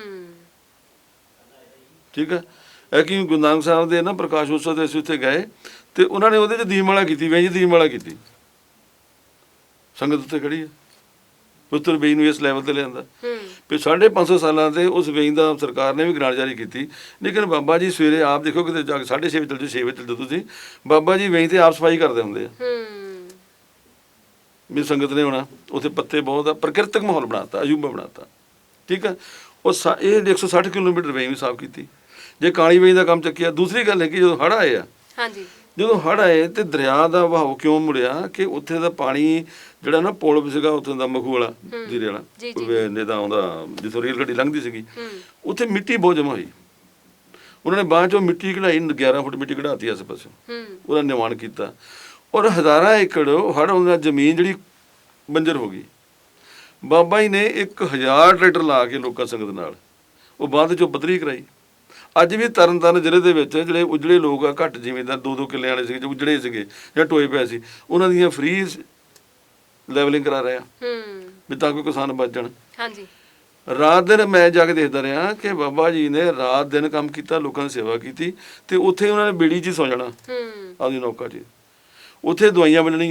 B: ਠੀਕ ਹੈ। ਇਹ ਕਿ ਗੁਰੂ ਨਾਨਕ ਸਾਹਿਬ ਦੇ ਨਾ ਪ੍ਰਕਾਸ਼ ਉਤਸਵ ਤੇ ਅਸੀਂ ਉੱਥੇ ਗਏ, ਤੇ ਉਹਨਾਂ ਨੇ ਉਹਦੇ 'ਚ ਦੀਪਮਾਲਾ ਕੀਤੀ, ਵੇਈ 'ਚ ਦੀਪਮਾਲਾ ਕੀਤੀ, ਸੰਗਤ ਉੱਤੇ ਖੜੀ ਹੈ। ਪੁੱਤਰ ਵੇਈ ਨੂੰ ਇਸ ਲੈਵਲ ਤੇ ਲਿਆਂਦਾ।
A: ਹੂੰ
B: ਫਿਰ ਸਾਢੇ ਪੰਜ ਸੌ ਸਾਲਾਂ ਤੇ ਉਸ ਵੇਈ ਦਾ ਸਰਕਾਰ ਨੇ ਵੀ ਗ੍ਰਾਂਟ ਜਾਰੀ ਕੀਤੀ, ਲੇਕਿਨ ਬਾਬਾ ਜੀ ਸਵੇਰੇ ਆਪ ਦੇਖੋ, ਕਿਤੇ ਜਾ ਕੇ ਸਾਢੇ ਛੇ ਵਜੇ ਚੱਲ ਜਾਓ, ਛੇ ਵਜੇ ਚੱਲ ਜਾਓ ਤੁਸੀਂ, ਬਾਬਾ ਜੀ ਵੇਈ ਤੇ ਆਪ ਸਫਾਈ ਕਰਦੇ ਹੁੰਦੇ ਆ।
A: ਹੂੰ
B: ਵੀ ਸੰਗਤ ਨੇ ਹੋਣਾ ਉੱਥੇ, ਪੱਤੇ ਬਹੁਤ ਆ, ਪ੍ਰਕਿਰਤਕ ਮਾਹੌਲ ਬਣਾਤਾ, ਅਜੂਬਾ ਬਣਾਤਾ, ਠੀਕ ਆ। ਉਹ ਸਾ ਇਹ ਇੱਕ ਸੌ ਸੱਠ ਕਿਲੋਮੀਟਰ ਵੇਈ ਵੀ ਸਾਫ਼ ਕੀਤੀ। ਜੇ ਕਾਲੀ ਵੇਈ ਦਾ ਕੰਮ ਚੱਕਿਆ, ਦੂਸਰੀ ਗੱਲ ਹੈ ਕਿ ਜਦੋਂ ਹੜ੍ਹ ਆਏ ਆ,
A: ਹਾਂਜੀ
B: ਜਦੋਂ ਹੜ੍ਹ ਆਏ ਤੇ ਦਰਿਆ ਦਾ ਵਹਾਅ ਕਿਉਂ ਮੁੜਿਆ, ਕਿ ਉੱਥੇ ਦਾ ਪਾਣੀ ਜਿਹੜਾ ਨਾ ਪੁਲ ਸੀਗਾ ਉੱਥੇ ਦਾ ਮਖੂ ਵਾਲਾ, ਜੀਰੇ ਵਾਲਾ,
A: ਜੀ, ਜੀ।
B: ਨੇਦਾ ਆਉਂਦਾ ਜਿੱਥੋਂ ਰੇਲ ਗੱਡੀ ਲੰਘਦੀ ਸੀਗੀ,
A: ਹੂੰ
B: ਉੱਥੇ ਮਿੱਟੀ ਬਹੁਤ ਜਮ੍ਹਾਂ ਹੋਈ। ਉਹਨਾਂ ਨੇ ਬਾਅਦ ਚੋਂ ਮਿੱਟੀ ਕਢਾਈ, ਗਿਆਰਾਂ ਫੁੱਟ ਮਿੱਟੀ ਕਢਾਤੀ ਆਸੇ ਪਾਸੇ,
A: ਹੂੰ
B: ਉਹਦਾ ਨਿਰਮਾਣ ਕੀਤਾ। ਔਰ ਹਜ਼ਾਰਾਂ ਏਕੜ ਹੜ੍ਹ ਆਉਣ ਨਾਲ ਜ਼ਮੀਨ ਜਿਹੜੀ ਬੰਜਰ ਹੋ ਗਈ। ਬਾਬਾ ਜੀ ਨੇ ਇੱਕ ਹਜ਼ਾਰ ਟਰੈਕਟਰ ਲਾ ਕੇ ਲੋਕਾਂ ਸੰਗਤ ਨਾਲ ਉਹ ਬਾਅਦ ਚੋਂ ਪੱਧਰੀ ਕਰਾਈ। ਅੱਜ ਵੀ ਤਰਨ ਤਾਰਨ ਜ਼ਿਲ੍ਹੇ ਦੇ ਵਿੱਚ ਜਿਹੜੇ ਉਜੜੇ ਲੋਕ ਆ, ਘੱਟ ਜ਼ਿਮੀਂਦਾਰ, ਦੋ ਦੋ ਕਿੱਲੇ ਵਾਲੇ ਸੀਗੇ, ਜੋ ਉਜੜੇ ਸੀਗੇ ਜਾਂ ਟੋਏ ਪਏ ਸੀ, ਉਹਨਾਂ ਦੀਆਂ ਫ੍ਰੀ ਲੈਵਲਿੰਗ ਕਰਾ ਰਿਹਾ,
A: ਹੂੰ
B: ਵੀ ਤਾਂ ਕੋਈ ਕਿਸਾਨ ਬਚ ਜਾਣ।
A: ਹਾਂਜੀ
B: ਰਾਤ ਦਿਨ ਮੈਂ ਜਾ ਕੇ ਦੇਖਦਾ ਰਿਹਾ ਕਿ ਬਾਬਾ ਜੀ ਨੇ ਰਾਤ ਦਿਨ ਕੰਮ ਕੀਤਾ, ਲੋਕਾਂ ਦੀ ਸੇਵਾ ਕੀਤੀ, ਤੇ ਉੱਥੇ ਉਹਨਾਂ ਨੇ ਬੇੜੀ 'ਚ ਹੀ ਸੌ ਜਾਣਾ,
A: ਹੂੰ
B: ਆਪਦੀ ਨੌਕਾ 'ਚ। ਉੱਥੇ ਦਵਾਈਆਂ ਵੰਡਣੀਆਂ,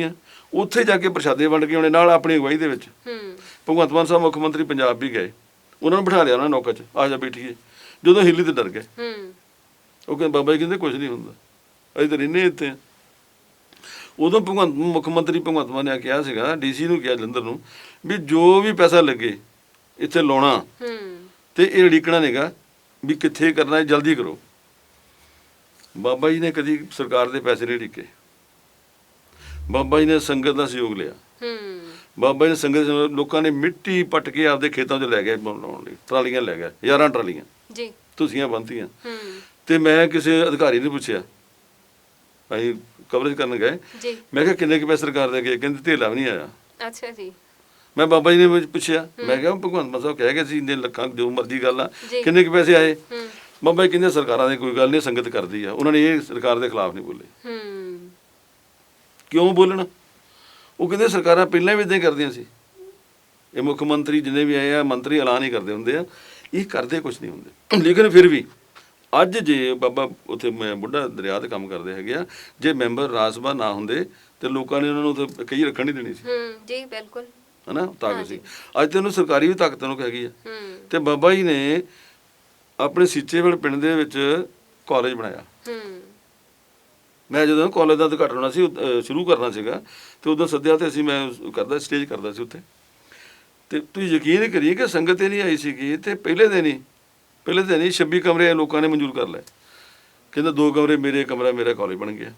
B: ਉੱਥੇ ਜਾ ਕੇ ਪ੍ਰਸ਼ਾਦੇ ਵੰਡ ਕੇ ਆਉਣੇ ਨਾਲ ਆਪਣੀ ਅਗਵਾਈ ਦੇ ਵਿੱਚ।
A: ਹੂੰ
B: ਭਗਵੰਤ ਮਾਨ ਸਾਹਿਬ ਮੁੱਖ ਮੰਤਰੀ ਪੰਜਾਬ ਵੀ ਗਏ, ਉਹਨਾਂ ਨੂੰ ਬਿਠਾ ਲਿਆ ਉਹਨਾਂ ਨੇ ਨੌਕਰ 'ਚ, ਆ ਜਾ ਬੈਠੀਏ। ਜਦੋਂ ਹਿੱਲੀ ਤੇ ਡਰ ਗਏ,
A: ਹੂੰ
B: ਉਹ ਕਹਿੰਦੇ ਬਾਬਾ ਜੀ ਕਹਿੰਦੇ ਕੁਝ ਨਹੀਂ ਹੁੰਦਾ, ਅਸੀਂ ਤਾਂ ਰਹਿੰਦੇ ਇੱਥੇ ਹਾਂ। ਉਦੋਂ ਭਗਵੰਤ ਮੁੱਖ ਮੰਤਰੀ ਭਗਵੰਤ ਮਾਨ ਨੇ ਕਿਹਾ ਸੀਗਾ, ਡੀਸੀ ਨੂੰ ਕਿਹਾ ਜਲੰਧਰ ਨੂੰ, ਵੀ ਜੋ ਵੀ ਪੈਸਾ ਲੱਗੇ ਇੱਥੇ ਲਾਉਣਾ
A: ਹੂੰ
B: ਤੇ ਇਹ ਉਡੀਕਣਾ ਨਹੀਂਗਾ ਵੀ ਕਿੱਥੇ ਕਰਨਾ ਹੈ, ਜਲਦੀ ਕਰੋ। ਬਾਬਾ ਜੀ ਨੇ ਕਦੀ ਸਰਕਾਰ ਦੇ ਪੈਸੇ ਨਹੀਂ ਉਡੀਕੇ, ਬਾਬਾ ਜੀ ਨੇ ਸੰਗਤ ਦਾ ਸਹਿਯੋਗ ਲਿਆ।
A: ਹੂੰ
B: ਬਾਬਾ ਜੀ ਨੇ ਸੰਗਤ ਦੇ ਲੋਕਾਂ ਨੇ ਮਿੱਟੀ ਪੱਟ ਕੇ ਆਪਦੇ ਖੇਤਾਂ 'ਚ ਲੈ ਗਏ ਬਣਾਉਣ ਲਈ, ਟਰਾਲੀਆਂ ਲੈ ਗਏ, ਯਾਰਾਂ ਟਰਾਲੀਆਂ
A: ਜੀ
B: ਤੁਸੀਆਂ ਬੰਨ੍ਹਤੀਆਂ।
A: ਹੂੰ
B: ਤੇ ਮੈਂ ਕਿਸੇ ਅਧਿਕਾਰੀ ਨੂੰ ਪੁੱਛਿਆ, ਅਸੀਂ ਕਵਰੇਜ ਕਰਨ ਗਏ,
A: ਜੀ
B: ਮੈਂ ਕਿਹਾ ਕਿੰਨੇ ਕੁ ਪੈਸੇ ਸਰਕਾਰ ਦੇ ਗਏ? ਕਹਿੰਦੇ ਧੇਲਾ ਵੀ ਨਹੀਂ ਆਇਆ।
A: ਅੱਛਾ ਜੀ
B: ਮੈਂ ਬਾਬਾ ਜੀ ਨੇ ਪੁੱਛਿਆ, ਮੈਂ ਕਿਹਾ ਭਗਵੰਤ ਮਾਨ ਸਾਹਿਬ ਕਹਿ ਗਏ ਸੀ ਇੰਨੇ ਲੱਖਾਂ ਜੋ ਮਰਜ਼ੀ ਗੱਲ ਆ,
A: ਜੀ।
B: ਕਿੰਨੇ ਕੁ ਪੈਸੇ ਆਏ?
A: ਹੂੰ
B: ਬਾਬਾ ਜੀ ਕਹਿੰਦੇ ਸਰਕਾਰਾਂ ਦੀ ਕੋਈ ਗੱਲ ਨਹੀਂ, ਸੰਗਤ ਕਰਦੀ ਆ। ਉਹਨਾਂ ਨੇ ਇਹ ਸਰਕਾਰ ਦੇ ਖਿਲਾਫ ਨਹੀਂ ਬੋਲੇ।
A: ਹੂੰ
B: ਕਿਉਂ ਬੋਲਣਾ? ਉਹ ਕਹਿੰਦੇ ਸਰਕਾਰਾਂ ਪਹਿਲਾਂ ਵੀ ਇਦਾਂ ਹੀ ਕਰਦੀਆਂ ਸੀ, ਇਹ ਮੁੱਖ ਮੰਤਰੀ ਜਿੰਨੇ ਵੀ ਆਏ ਆ ਮੰਤਰੀ ਐਲਾਨ ਹੀ ਕਰਦੇ ਹੁੰਦੇ ਆ, ਇਹ ਕਰਦੇ ਕੁਝ ਨਹੀਂ ਹੁੰਦੇ। ਲੇਕਿਨ ਫਿਰ ਵੀ ਅੱਜ ਜੇ ਬਾਬਾ ਉੱਥੇ ਮੈਂ ਬੁੱਢਾ ਦਰਿਆ 'ਤੇ ਕੰਮ ਕਰਦੇ ਹੈਗੇ ਆ, ਜੇ ਮੈਂਬਰ ਰਾਜ ਸਭਾ ਨਾ ਹੁੰਦੇ ਤੇ ਲੋਕਾਂ ਨੇ ਉਹਨਾਂ ਨੂੰ ਉੱਥੇ ਕਈ ਰੱਖਣ ਨਹੀਂ ਦੇਣੀ ਸੀ,
A: ਹੂੰ ਜੀ ਬਿਲਕੁਲ
B: ਹਨਾ, ਤਾਕਤ ਸੀ। ਅੱਜ ਤੇ ਉਹਨੂੰ ਸਰਕਾਰੀ ਵੀ ਤਾਕਤ ਨੂੰ ਹੈਗੀ ਆ।
A: ਹੂੰ
B: ਤੇ ਬਾਬਾ ਜੀ ਨੇ ਆਪਣੇ ਸੀਚੇਵਾਲ ਪਿੰਡ ਦੇ ਵਿੱਚ ਕਾਲਜ ਬਣਾਇਆ।
A: ਹੂੰ
B: ਮੈਂ ਜਦੋਂ ਕਾਲਜ ਦਾ ਉਦਘਾਟਨ ਹੋਣਾ ਸੀ, ਅਹ ਸ਼ੁਰੂ ਕਰਨਾ ਸੀਗਾ, ਤੇ ਉਦੋਂ ਸੱਦਿਆ ਤੇ ਅਸੀਂ ਮੈਂ ਕਰਦਾ ਸਟੇਜ ਕਰਦਾ ਸੀ ਉੱਥੇ। ਤੇ ਤੁਸੀਂ ਯਕੀਨ ਨਹੀਂ ਕਰੀਏ ਕਿ ਸੰਗਤ ਇਹ ਨਹੀਂ ਆਈ ਸੀਗੀ, ਤੇ ਪਹਿਲੇ ਦਿਨ ਹੀ ਪਹਿਲੇ ਦਿਨ ਹੀ ਛੱਬੀ ਕਮਰੇ ਲੋਕਾਂ ਨੇ ਮਨਜ਼ੂਰ ਕਰ ਲਏ। ਕਹਿੰਦਾ ਦੋ ਕਮਰੇ ਮੇਰੇ, ਕਮਰਾ ਮੇਰਾ, ਕਾਲਜ ਬਣ ਗਿਆ।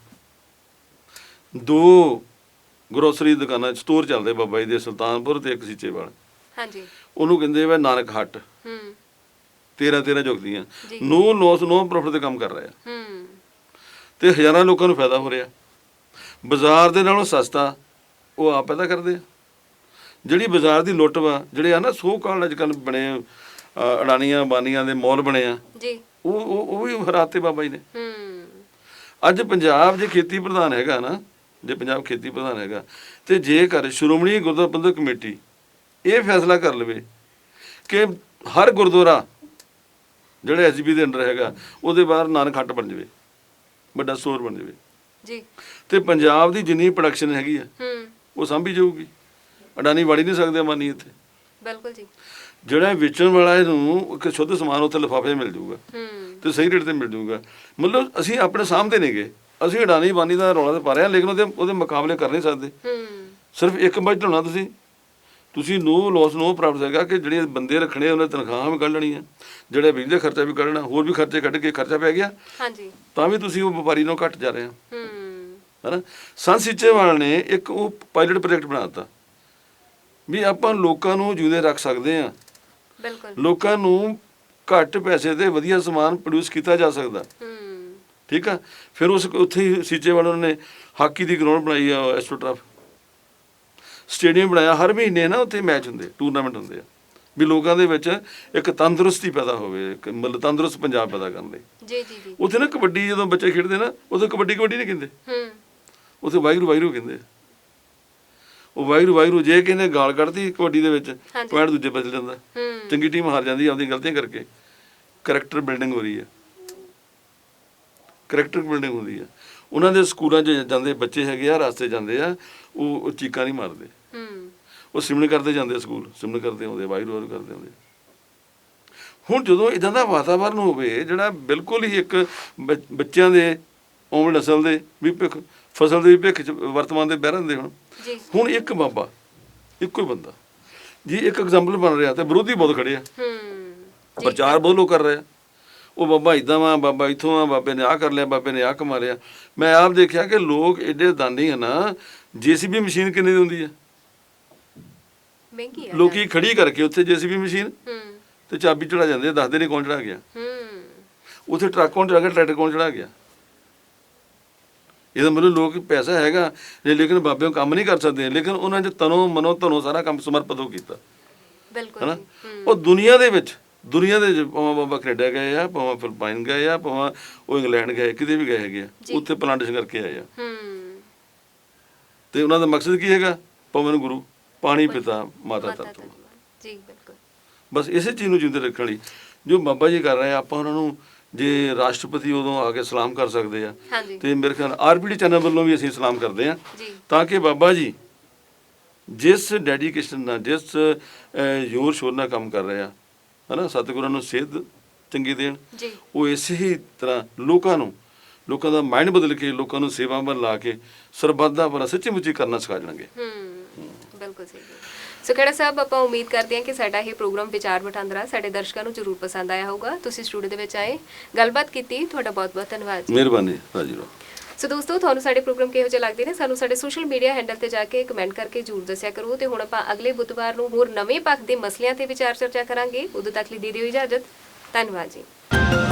B: ਦੋ ਗਰੋਸਰੀ ਦੁਕਾਨਾਂ ਸਟੋਰ ਚੱਲਦੇ ਬਾਬਾ ਜੀ ਦੇ, ਸੁਲਤਾਨਪੁਰ ਤੇ ਇੱਕ ਸੀਚੇਵਾਲ।
A: ਹਾਂਜੀ
B: ਉਹਨੂੰ ਕਹਿੰਦੇ ਵਾ ਨਾਨਕ ਹੱਟ।
A: ਹੂੰ
B: ਤੇਰਾਂ ਤੇਰਾਂ ਜੁਗਦੀਆਂ
A: ਜੀ।
B: ਨੋ ਲੋਸ ਨੋ ਪ੍ਰੋਫਿਟ ਦੇ ਕੰਮ ਕਰ ਰਹੇ ਆ,
A: ਹੂੰ
B: ਤੇ ਹਜ਼ਾਰਾਂ ਲੋਕਾਂ ਨੂੰ ਫਾਇਦਾ ਹੋ ਰਿਹਾ। ਬਾਜ਼ਾਰ ਦੇ ਨਾਲੋਂ ਸਸਤਾ ਉਹ ਆਪ ਪੈਦਾ ਕਰਦੇ ਆ। ਜਿਹੜੀ ਬਾਜ਼ਾਰ ਦੀ ਲੁੱਟ ਵਾ, ਜਿਹੜੇ ਆ ਨਾ ਸੋ ਕਾਲ ਅੱਜ ਕੱਲ੍ਹ ਬਣੇ ਅ, ਅਡਾਨੀਆਂ ਬਾਨੀਆਂ ਦੇ ਮੌਲ ਬਣੇ ਆ,
A: ਜੀ
B: ਉਹ ਉਹ ਉਹ ਵੀ ਹਰਾਤੇ ਬਾਬਾ ਜੀ ਨੇ।
A: ਹੂੰ
B: ਅੱਜ ਪੰਜਾਬ ਜੇ ਖੇਤੀ ਪ੍ਰਧਾਨ ਹੈਗਾ ਨਾ, ਜੇ ਪੰਜਾਬ ਖੇਤੀ ਪ੍ਰਧਾਨ ਹੈਗਾ, ਤੇ ਜੇਕਰ ਸ਼੍ਰੋਮਣੀ ਗੁਰਦੁਆਰਾ ਪ੍ਰਬੰਧਕ ਕਮੇਟੀ ਇਹ ਫੈਸਲਾ ਕਰ ਲਵੇ ਕਿ ਹਰ ਗੁਰਦੁਆਰਾ ਜਿਹੜਾ ਐਸ ਜੀ ਪੀ ਦੇ ਅੰਡਰ ਹੈਗਾ ਉਹਦੇ ਬਾਹਰ ਨਾਨਕ ਹੱਟ ਬਣ ਜਾਵੇ, ਵੱਡਾ ਸਟੋਰ ਬਣ ਜਾਵੇ,
A: ਜੀ
B: ਤੇ ਪੰਜਾਬ ਦੀ ਜਿੰਨੀ ਪ੍ਰੋਡਕਸ਼ਨ ਹੈਗੀ ਆ
A: ਹੂੰ
B: ਉਹ ਸਾਂਭੀ ਜਾਊਗੀ। ਅਡਾਨੀ ਵੜੀ ਨਹੀਂ ਸਕਦੇ ਅਮਾਨੀ ਇੱਥੇ।
A: ਬਿਲਕੁਲ ਜੀ
B: ਜਿਹੜਾ ਵੇਚਣ ਵਾਲਾ ਇਹਨੂੰ ਇੱਕ ਸ਼ੁੱਧ ਸਮਾਨ ਉੱਥੇ ਲਿਫਾਫੇ ਮਿਲ ਜਾਊਗਾ
A: ਹੂੰ
B: ਤੇ ਸਹੀ ਰੇਟ ਤੇ ਮਿਲ ਜਾਊਗਾ। ਮਤਲਬ ਅਸੀਂ ਆਪਣੇ ਸਾਹਮਣੇ ਨੇਗੇ, ਅਸੀਂ ਅਡਾਨੀ ਬਾਨੀ ਦਾ ਰੌਲਾ ਤੇ ਪਾ ਰਹੇ ਹਾਂ, ਲੇਕਿਨ ਉਹਦੇ ਉਹਦੇ ਮੁਕਾਬਲੇ ਕਰ ਨਹੀਂ ਸਕਦੇ।
A: ਹੂੰ
B: ਸਿਰਫ ਇੱਕ ਬਜਟ ਹੋਣਾ, ਤੁਸੀਂ ਤੁਸੀਂ ਨੋ ਲੋਸ ਨੋ ਪ੍ਰੋਫਿਟ ਹੈਗਾ ਕਿ ਜਿਹੜੇ ਬੰਦੇ ਰੱਖਣੇ ਉਹਨਾਂ ਤਨਖਾਹਾਂ ਵੀ ਕੱਢ ਲੈਣੀਆਂ, ਜਿਹੜੇ ਬਿਜਲੀ ਦਾ ਖਰਚਾ ਵੀ ਕੱਢਣਾ, ਹੋਰ ਵੀ ਖਰਚੇ ਕੱਢ ਕੇ ਖਰਚਾ ਪੈ ਗਿਆ,
A: ਹਾਂਜੀ
B: ਤਾਂ ਵੀ ਤੁਸੀਂ ਉਹ ਵਪਾਰੀ ਨੂੰ ਘੱਟ ਜਾ ਰਹੇ ਹੋ,
A: ਹੂੰ
B: ਹੈ ਨਾ। ਸੰਤ ਸੀਚੇਵਾਲ ਨੇ ਇੱਕ ਉਹ ਪਾਇਲਟ ਪ੍ਰੋਜੈਕਟ ਬਣਾ ਦਿੱਤਾ ਵੀ ਆਪਾਂ ਲੋਕਾਂ ਨੂੰ ਜਿਉਂਦੇ ਰੱਖ ਸਕਦੇ ਹਾਂ,
A: ਬਿਲਕੁਲ
B: ਲੋਕਾਂ ਨੂੰ ਘੱਟ ਪੈਸੇ ਤੇ ਵਧੀਆ ਸਮਾਨ ਪ੍ਰੋਡਿਊਸ ਕੀਤਾ ਜਾ ਸਕਦਾ,
A: ਹੂੰ
B: ਠੀਕ ਆ। ਫਿਰ ਉਸ ਉੱਥੇ ਹੀ ਸੀਚੇਵਾਲ ਉਹਨਾਂ ਨੇ ਹਾਕੀ ਦੀ ਗਰਾਊਂਡ ਬਣਾਈ ਆ, ਐਸਟ੍ਰੋਟਰਫ ਸਟੇਡੀਅਮ ਬਣਾਇਆ। ਹਰ ਮਹੀਨੇ ਨਾ ਉੱਥੇ ਮੈਚ ਹੁੰਦੇ, ਟੂਰਨਾਮੈਂਟ ਹੁੰਦੇ ਆ, ਵੀ ਲੋਕਾਂ ਦੇ ਵਿੱਚ ਇੱਕ ਤੰਦਰੁਸਤੀ ਪੈਦਾ ਹੋਵੇ, ਇੱਕ ਮਤਲਬ ਤੰਦਰੁਸਤ ਪੰਜਾਬ ਪੈਦਾ ਕਰਨ ਲਈ।
A: ਜੀ ਜੀ ਜੀ
B: ਉੱਥੇ ਨਾ ਕਬੱਡੀ ਜਦੋਂ ਬੱਚੇ ਖੇਡਦੇ ਨਾ, ਉੱਥੇ ਕਬੱਡੀ ਕਬੱਡੀ ਨਹੀਂ ਕਹਿੰਦੇ,
A: ਹੂੰ
B: ਉੱਥੇ ਵਾਹਿਗੁਰੂ ਵਾਹਿਗੁਰੂ ਕਹਿੰਦੇ। ਉਹ ਵਾਹਿਗੁਰੂ ਵਾਹਿਗੁਰੂ ਜੇ ਕਿਸੇ ਗਾਲ ਕੱਢਦੀ ਕਬੱਡੀ ਦੇ ਵਿੱਚ,
A: ਹਾਂਜੀ।
B: ਪੁਆਇੰਟ ਦੂਜੇ ਬਦਲ ਜਾਂਦਾ,
A: ਹੂੰ
B: ਚੰਗੀ ਟੀਮ ਹਾਰ ਜਾਂਦੀ ਆਪਦੀਆਂ ਗਲਤੀਆਂ ਕਰਕੇ। ਕਰੈਕਟਰ ਬਿਲਡਿੰਗ ਹੋ ਰਹੀ ਹੈ, ਕਰੈਕਟਰ ਬਿਲਡਿੰਗ ਹੁੰਦੀ ਆ। ਉਹਨਾਂ ਦੇ ਸਕੂਲਾਂ 'ਚ ਜਾਂਦੇ ਬੱਚੇ ਹੈਗੇ ਆ, ਰਸਤੇ ਜਾਂਦੇ ਆ, ਉਹ ਉਹ ਚੀਕਾਂ ਨਹੀਂ ਮਾਰਦੇ,
A: ਹੂੰ
B: ਉਹ ਸਿਮਰਨ ਕਰਦੇ ਜਾਂਦੇ, ਸਕੂਲ ਸਿਮਰਨ ਕਰਦੇ ਆਉਂਦੇ, ਵਾਹਿਗੁਰੂ ਵਾਹਿਗੁਰੂ ਕਰਦੇ ਆਉਂਦੇ। ਹੁਣ ਜਦੋਂ ਇੱਦਾਂ ਦਾ ਵਾਤਾਵਰਨ ਹੋਵੇ ਜਿਹੜਾ ਬਿਲਕੁਲ ਹੀ ਇੱਕ ਬ- ਬੱਚਿਆਂ ਦੇ ਆਉਣ ਵਾਲੀ ਨਸਲ ਦੇ ਵੀ ਭਿੱਖ, ਫਸਲ ਦੇ ਵੀ ਭਿੱਖ 'ਚ ਵਰਤਮਾਨ ਦੇ ਬਹਿ ਰਹਿੰਦੇ ਹੁਣ।
A: ਜੀ
B: ਹੁਣ ਇੱਕ ਬਾਬਾ, ਇੱਕੋ ਹੀ ਬੰਦਾ ਜੀ ਇੱਕ ਐਗਜ਼ਾਮਪਲ ਬਣ ਰਿਹਾ, ਤੇ ਵਿਰੋਧੀ ਬਹੁਤ ਖੜੇ ਆ,
A: ਹੂੰ ਜੀ
B: ਪ੍ਰਚਾਰ ਬਹੁਤ ਲੋਕ ਕਰ ਰਹੇ ਆ, ਉਹ ਬਾਬਾ ਇੱਦਾਂ ਵਾ, ਬਾਬਾ ਇੱਥੋਂ ਆ, ਬਾਬੇ ਨੇ ਆਹ ਕਰ ਲਿਆ, ਬਾਬੇ ਨੇ ਆਹ ਕਮਾ ਲਿਆ। ਮੈਂ ਆਪ ਦੇਖਿਆ ਕਿ ਲੋਕ ਐਡੇ ਦਾਨੀ ਆ ਨਾ, ਜੇਸੀਬੀ ਮਸ਼ੀਨ ਕਿੰਨੇ ਦੀ ਹੁੰਦੀ ਆ,
A: ਮਹਿੰਗੀ ਹੈ
B: ਲੋਕੀ ਖੜੀ ਕਰਕੇ ਉੱਥੇ ਜੇਸੀਬੀ ਮਸ਼ੀਨ
A: ਹੂੰ
B: ਤੇ ਚਾਬੀ ਚੜਾ ਜਾਂਦੇ ਆ, ਦੱਸਦੇ ਨਹੀਂ ਕੌਣ ਚੜਾ ਗਿਆ,
A: ਹੂੰ
B: ਉੱਥੇ ਟਰੱਕ ਕੌਣ ਚੜਾ ਗਿਆ, ਟਰੈਕਟਰ ਕੌਣ ਚੜਾ ਗਿਆ। ਇਹਦਾ ਮਤਲਬ ਲੋਕ ਪੈਸਾ ਹੈਗਾ ਜੇ, ਲੇਕਿਨ ਬਾਬੇ ਉਹ ਕੰਮ ਨਹੀਂ ਕਰ ਸਕਦੇ, ਲੇਕਿਨ ਉਹਨਾਂ 'ਚ ਤਨੋਂ ਮਨੋਂ ਧਨੋਂ ਸਾਰਾ ਕੰਮ ਸਮਰਪਿਤ ਹੋ ਕੀਤਾ,
A: ਬਿਲਕੁਲ
B: ਹਨਾ।
A: ਜੀ ਹੂੰ
B: ਉਹ ਦੁਨੀਆ ਦੇ ਵਿੱਚ ਦੁਨੀਆ ਦੇ ਵਿੱਚ ਭਾਵੇਂ ਬਾਬਾ ਕੈਨੇਡਾ ਗਏ ਆ, ਭਾਵੇਂ ਫਿਲਪਾਈਨ ਗਏ ਆ, ਭਾਵੇਂ ਉਹ ਇੰਗਲੈਂਡ ਗਏ, ਕਿਤੇ ਵੀ ਗਏ ਹੈਗੇ ਆ,
A: ਜੀ।
B: ਉੱਥੇ ਪਲਾਂਟੇਸ਼ਨ ਕਰਕੇ ਆਏ ਆ।
A: ਹੂੰ
B: ਤੇ ਉਹਨਾਂ ਦਾ ਮਕਸਦ ਕੀ ਹੈਗਾ? ਪਵਨ ਗੁਰੂ, ਪਾਣੀ ਪਿਤਾ, ਮਾਤਾ
A: ਮਾਤਾ
B: ਤੱਤ।
A: ਧਰਤੀ। ਜੀ ਬਿਲਕੁਲ
B: ਬਸ ਇਸੇ ਚੀਜ਼ ਨੂੰ ਜਿੰਦੇ ਰੱਖਣ ਲਈ ਜੋ ਬਾਬਾ ਜੀ ਕਰ ਰਹੇ ਆ, ਆਪਾਂ ਉਹਨਾਂ ਨੂੰ ਜੇ ਰਾਸ਼ਟਰਪਤੀ ਉਦੋਂ ਆ ਕੇ ਸਲਾਮ ਕਰ ਸਕਦੇ ਆ
A: ਹਾਂਜੀ
B: ਤੇ ਮੇਰੇ ਖਿਆਲ ਆਰਪੀਡੀ ਚੈਨਲ ਵੱਲੋਂ ਵੀ ਅਸੀਂ ਸਲਾਮ ਕਰਦੇ ਆ
A: ਜੀ
B: ਤਾਂ ਕਿ ਬਾਬਾ ਜੀ ਜਿਸ ਡੈਡੀਕੇਸ਼ਨ ਨਾਲ ਜਿਸ ਅਹ, ਜ਼ੋਰ ਸ਼ੋਰ ਨਾਲ ਕੰਮ ਕਰ ਰਹੇ ਆ ਹਨਾ ਸਤਿਗੁਰਾਂ ਨੂੰ ਸਿੱਧ ਚੰਗੀ ਦੇਣ
A: ਜੀ
B: ਉਹ ਇਸੇ ਹੀ ਤਰ੍ਹਾਂ ਲੋਕਾਂ ਨੂੰ ਲੋਕਾਂ ਦਾ ਮਾਈਂਡ ਬਦਲ ਕੇ ਲੋਕਾਂ ਨੂੰ ਸੇਵਾ ਵੱਲ ਲਾ ਕੇ ਸਰਬੱਤ ਦਾ ਭਲਾ ਸੱਚੀ ਮੁੱਚੀ ਕਰਨਾ ਸਿਖਾ ਜਾਣਗੇ।
A: ਹੂੰ ਬਿਲਕੁਲ ਸਹੀ ਹੈ। ਸੋ ਖੇੜਾ ਸਾਹਿਬ ਆਪਾਂ ਉਮੀਦ ਕਰਦੇ ਹਾਂ ਕਿ ਸਾਡਾ ਇਹ ਪ੍ਰੋਗਰਾਮ ਵਿਚਾਰ ਵਟਾਂਦਰਾ ਸਾਡੇ ਦਰਸ਼ਕਾਂ ਨੂੰ ਜ਼ਰੂਰ ਪਸੰਦ ਆਇਆ ਹੋਊਗਾ। ਤੁਸੀਂ ਸਟੂਡੀਓ ਦੇ ਵਿੱਚ ਆਏ ਗੱਲਬਾਤ ਕੀਤੀ, ਤੁਹਾਡਾ ਬਹੁਤ ਬਹੁਤ ਧੰਨਵਾਦ ਜੀ।
B: ਮਿਹਰਬਾਨੀ ਰਾਜੀ ਰਾਓ।
A: ਸੋ ਦੋਸਤੋ ਤੁਹਾਨੂੰ ਸਾਡੇ ਪ੍ਰੋਗਰਾਮ ਕਿਹੋ ਜਿਹੇ ਲੱਗਦੇ ਨੇ ਸਾਨੂੰ ਸਾਡੇ ਸੋਸ਼ਲ ਮੀਡੀਆ ਹੈਂਡਲ ਤੇ ਜਾ ਕੇ ਕਮੈਂਟ ਕਰਕੇ ਜ਼ਰੂਰ ਦੱਸਿਆ ਕਰੋ ਤੇ ਹੁਣ ਆਪਾਂ ਅਗਲੇ ਬੁੱਧਵਾਰ ਨੂੰ ਹੋਰ ਨਵੇਂ ਪੱਖ ਦੇ ਮਸਲਿਆਂ ਤੇ ਵਿਚਾਰ ਚਰਚਾ ਕਰਾਂਗੇ। ਉਦੋਂ ਤੱਕ ਲਈ ਦੇ ਦਿਓ ਇਜਾਜ਼ਤ। ਧੰਨਵਾਦ ਜੀ।